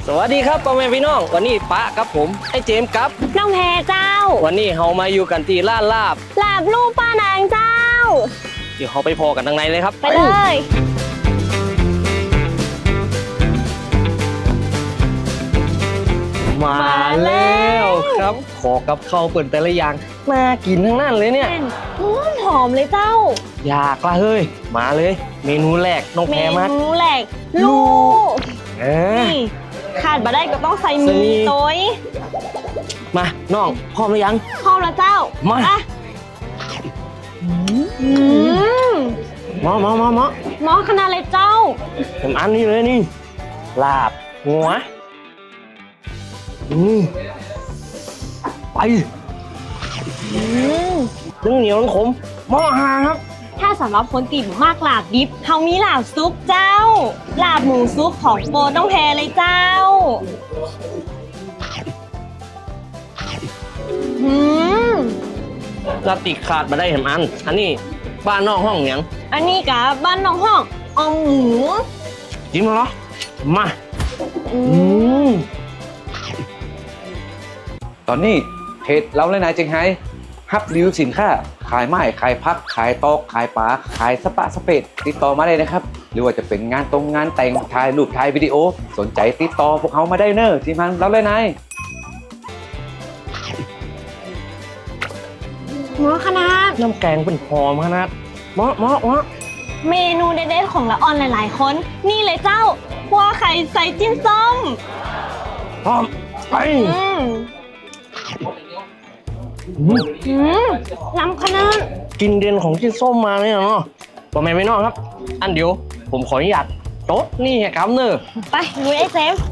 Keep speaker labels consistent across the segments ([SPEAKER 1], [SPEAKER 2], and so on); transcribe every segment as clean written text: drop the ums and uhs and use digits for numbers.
[SPEAKER 1] สวัสดีครับพ่อแม่พี่น้องวันนี้ป้ากับผมไอ้เจมส์ครับ
[SPEAKER 2] น้องแพรเจ้า
[SPEAKER 1] วันนี้เรามาอยู่กันที่ร้านลาบ
[SPEAKER 2] ลูกป้านางเจ้า
[SPEAKER 1] เดี๋ยวเราไปพอกันทางในเลยครับ
[SPEAKER 2] ไปเลย
[SPEAKER 1] มาแล้วครับขอกับข้าวเปิดแต่ละอย่างน่ากินทั้งนั้นเลยเนี่ย
[SPEAKER 2] หอมเลยเจ้า
[SPEAKER 1] อยากละเฮ้ยมาเลยเมนูแรกน้องแพรมาก
[SPEAKER 2] เมนูแรกลูกนี่ขาดมาได้ก็ต้องใส่มีต้ย
[SPEAKER 1] มาน้องพร้อมหรือยัง
[SPEAKER 2] พร้อมแล้วเจ้า
[SPEAKER 1] มา
[SPEAKER 2] หมอขนาดเลยเจ้า
[SPEAKER 1] ผมอันนี้เลยนี่ลาบหัวไปทั้งเหนียวทั้งขมหม้อหางครับ
[SPEAKER 2] ถ้าสำหรับคนติดมากลาบดิบเขามีลาบซุปเจ้าลาบหมูซุปของโปรต้องแพรเลยเจ้า
[SPEAKER 1] ลาบติดขาดมาได้เห็นอันนี้บ้านนอกห้องอย่าง
[SPEAKER 2] อันนี้กับบ้านน้องห้องออมหมู
[SPEAKER 1] จิ้มเหรอมา
[SPEAKER 3] ตอนนี้เพจเราเลยนายเจงไฮ้ฮับรีวิวสินค้าขายไม้ขายพักขายตอกขายปลาขายสปะสเปดติดต่อมาได้นะครับหรือว่าจะเป็นงานตรงงานแต่งถ่ายรูปถ่ายวิดีโอสนใจติดต่อพวกเขามาได้เนอะทีมงานเราเลยนาย
[SPEAKER 2] หมอขนาด
[SPEAKER 1] น้ำแกงเป็นหอมขนาดหมอ
[SPEAKER 2] เมนูเด็ดๆของละออนหลายๆคนนี่เลยเจ้าคั่วไข่ใส่จิ้มส้ม
[SPEAKER 1] หอมไป
[SPEAKER 2] ล้ำขนาด
[SPEAKER 1] กินเด่นของจิ้มส้มมาเลยเนาะพ่อแม่พี่น้องครับอันเดี๋ยวผมขออนุญาตโต๊ะนี่ครับเนอะ
[SPEAKER 2] ไปลุยไอ้เซฟ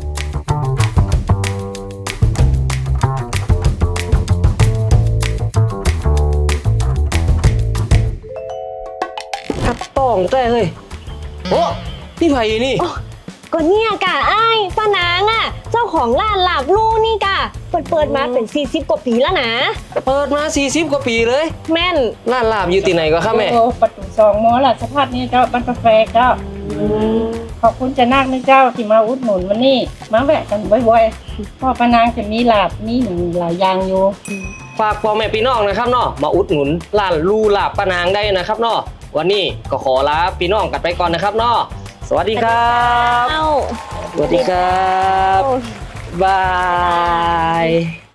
[SPEAKER 1] ครับต้องได้เลยโอ้พี่ไผ่นี่
[SPEAKER 2] ก็เนี่ยกะไอ้ป้านางอ่ะเจ้าของร้านลาบลู่นี่กะเปิดมาเป็น40 กว่าปีแล้วนะ
[SPEAKER 1] เปิดมา40 กว่าปีเลย
[SPEAKER 2] แม่น
[SPEAKER 1] ร้านลาบอยู่ที่ไหนก็ครับแม่
[SPEAKER 4] ประตู2 มอสภาพนี้เจ้าบ้านกาแฟเจ้าขอบคุณจะนักนะเจ้าที่มาอุดหนุนวันนี้มาแวะกันบ่อยๆพ่อป้านางจะมีลาบมีหนึ่งหลายอย่างอยู่
[SPEAKER 1] ฝากพ่อแม่พี่น้องนะครับเนาะมาอุดหนุนร้านลู่ลาบป้านางได้นะครับเนาะวันนี้ก็ขอลาพี่น้องกันไปก่อนนะครับเนาะสวัสดีครับสวัสดีครับบาย